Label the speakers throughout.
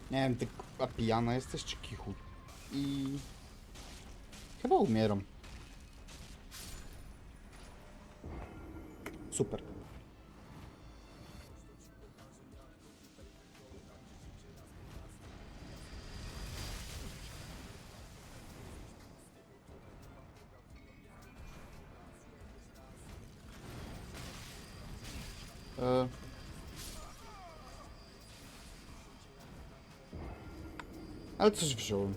Speaker 1: Nie wiem, ty a pijana jesteś czy kichu? I... chyba umieram. Super. Ale coś wziąłem.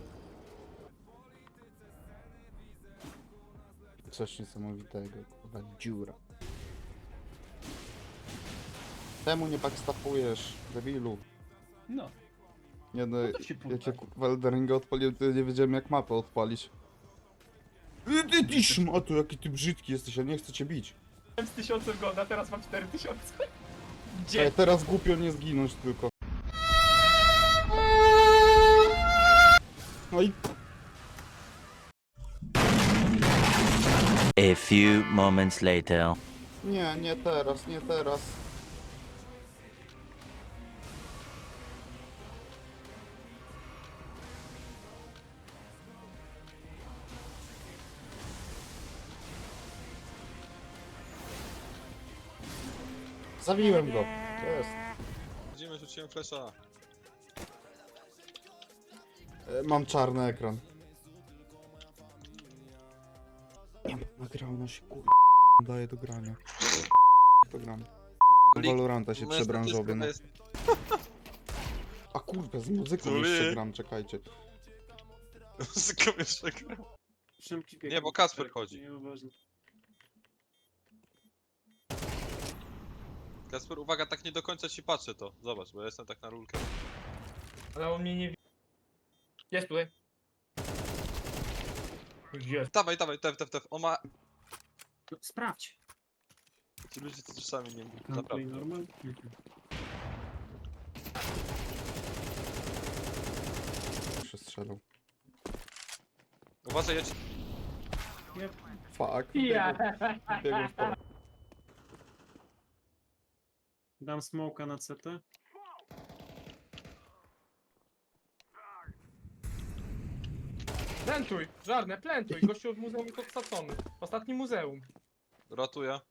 Speaker 1: Coś niesamowitego, kurwa, dziura. Czemu nie backstapujesz, debilu?
Speaker 2: No.
Speaker 1: Nie no,
Speaker 2: to się
Speaker 1: jak ja
Speaker 2: puszcza.
Speaker 1: kurwa Elderinga odpaliłem, to ja nie wiedziałem jak mapę odpalić. Ty szmato, jaki ty brzydki jesteś, ja nie chcę cię bić.
Speaker 2: Miałem z 1000 golda, teraz mam 4000.
Speaker 1: Ej,
Speaker 2: Gdzie?
Speaker 1: teraz głupio nie zginąć tylko. No i
Speaker 3: A few moments later.
Speaker 1: nie, nie teraz, nie teraz. Zabiłem go. Jest.
Speaker 4: Widzimy, rzuciłem flesza.
Speaker 1: Mam czarny ekran. Nie mam nagrania się, kurwa, daje do grania. To gram. Na Valoranta się przebranżowię, no. A kurwa, z muzyką
Speaker 4: Tuli.
Speaker 1: jeszcze gram, czekajcie.
Speaker 4: Muzyką jeszcze gram.
Speaker 2: Szybki bieg.
Speaker 4: Nie, bo Kasper chodzi.
Speaker 2: Nieważne.
Speaker 4: Kasper, uwaga, tak nie do końca ci patrzę to. Zobacz, bo ja jestem tak na rulkę.
Speaker 2: Ale on mnie nie widzi. Jest tutaj. Jest.
Speaker 4: Dawaj, dawaj, tef. On ma...
Speaker 2: No, sprawdź.
Speaker 4: Ci ludzie to czasami nie...
Speaker 2: Play
Speaker 4: Naprawdę.
Speaker 2: normal.
Speaker 1: Się strzelał.
Speaker 4: Uważaj, ja ci...
Speaker 1: Fuck.
Speaker 2: Ja.
Speaker 1: Biegłem w pole.
Speaker 5: Dam smoka na CT.
Speaker 2: Plantuj, żarne, plantuj. Gościu od muzeum jest odsacony. Ostatni muzeum.
Speaker 4: Ratuję.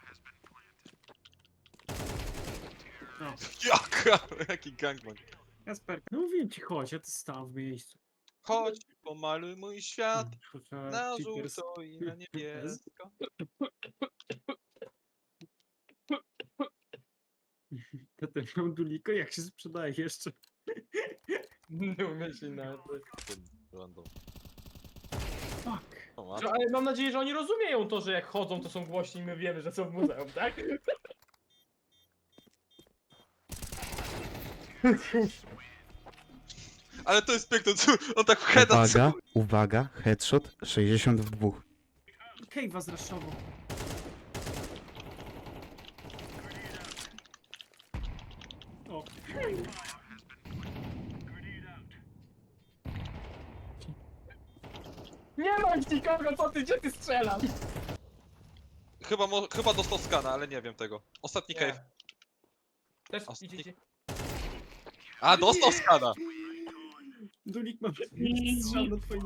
Speaker 5: No.
Speaker 4: Jaka? Jaki gangbang.
Speaker 5: Kasper, no mówiłem ci chodź, a ty stał w miejscu.
Speaker 4: Chodź, pomaluj mój świat.
Speaker 5: Kurczę,
Speaker 4: Na
Speaker 5: cheaters.
Speaker 4: żółto i na niebiesko.
Speaker 5: To ten miał duliko, jak się sprzedaje jeszcze?
Speaker 2: Nie umiem się nawet.
Speaker 4: Random.
Speaker 5: Fuck.
Speaker 4: O, ma.
Speaker 2: Ale mam nadzieję, że oni rozumieją to, że jak chodzą, to są głośni i my wiemy, że są w muzeum, tak?
Speaker 4: Ale to jest piękne, co on tak w heada...
Speaker 1: Uwaga, uwaga, headshot 62.
Speaker 5: Cave'a zraszował. O,
Speaker 2: Nie mam nikogo, co ty, gdzie ty strzelasz?
Speaker 4: Chyba dostał skana, ale nie wiem tego. Ostatni
Speaker 2: Nie.
Speaker 4: cave.
Speaker 2: Też
Speaker 4: Ostatni-
Speaker 2: idziecie.
Speaker 4: A, dostał skana!
Speaker 5: dulik ma strzał na twoim...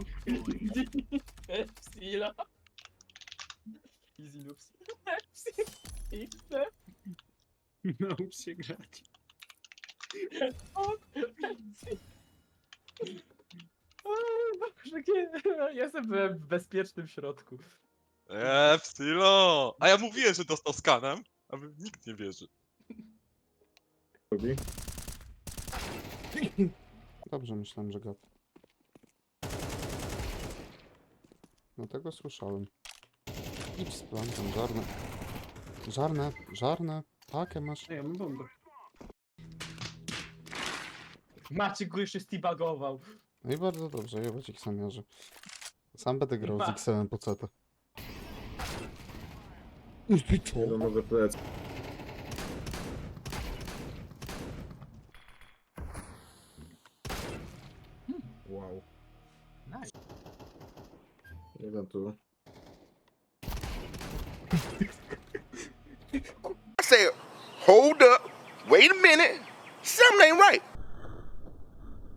Speaker 2: Stila. Easy loops.
Speaker 5: Naucz się grać.
Speaker 2: Jestem w bezpiecznym środku.
Speaker 4: Stilo! A ja mówiłem, że dostał skanem, a nikt nie wierzy.
Speaker 1: Dobrze, myślałem, że gad. No tego słyszałem. Idź z plantem, żarne. Żarne. Takie masz.
Speaker 5: Ej, ja mam bombę.
Speaker 2: Maciek go jeszcze steabagował.
Speaker 1: No i bardzo dobrze, jebać ich samiarzy. Sam będę grał z
Speaker 2: Ma.
Speaker 1: XM po CT. Ty co?
Speaker 6: Mogę plec. Wow.
Speaker 2: Nice.
Speaker 6: Jeden tu.
Speaker 7: I said, hold up, wait a minute, something ain't right.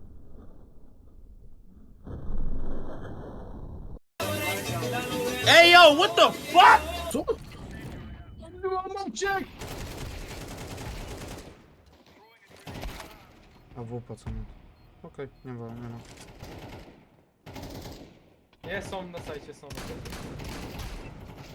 Speaker 7: Hey yo, what the fuck?
Speaker 6: Co?
Speaker 2: Mam cię!
Speaker 1: A WP co nie? Okej, nie ma, nie ma.
Speaker 2: Nie, są na sajcie, są na sajcie.